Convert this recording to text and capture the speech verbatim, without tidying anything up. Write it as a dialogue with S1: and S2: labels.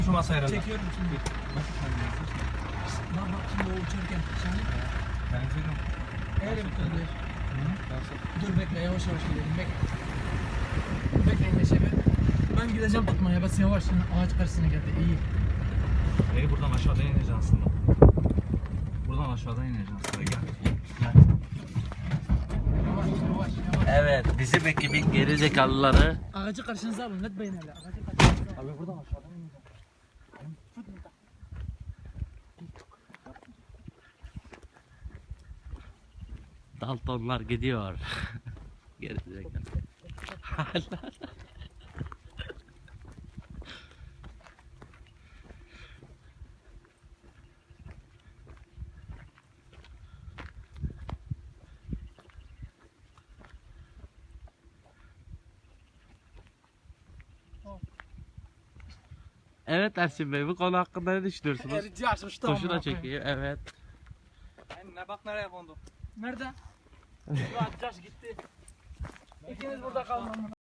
S1: Şu masaya herhalde.
S2: Çekiyorum şimdi. Bak bak şimdi o uçarken. Şimdi.
S1: Ben çekiyorum.
S2: Eğer bir tane. Dur bekle yavaş yavaş gidelim bekle. Bekleyin Neşe be. Ben gideceğim tutmaya bas yavaş şimdi ağaç karşısına geldi iyi.
S1: Ey buradan aşağıdan ineceksin aslında. Buradan aşağıdan ineceksin aslında. Gel. Gel.
S2: Yavaş yavaş yavaş.
S3: Evet, bizim ekibin gerizekalıları.
S2: Ağacı karşınıza alın netmeyin hele. Ağacı karşınıza alın.
S1: Abi buradan aşağıdan ineceksin.
S3: Daltonlar gidiyor. Gerizekalı. Hala. Evet Ersin Bey, bu konu hakkında ne düşünüyorsunuz?
S2: Erici açmıştı
S3: Koşuna çekiyor, evet.
S1: Ne bak nereye kondu.
S2: Nerede? Şu Accaş gitti. İkiniz burada kalın.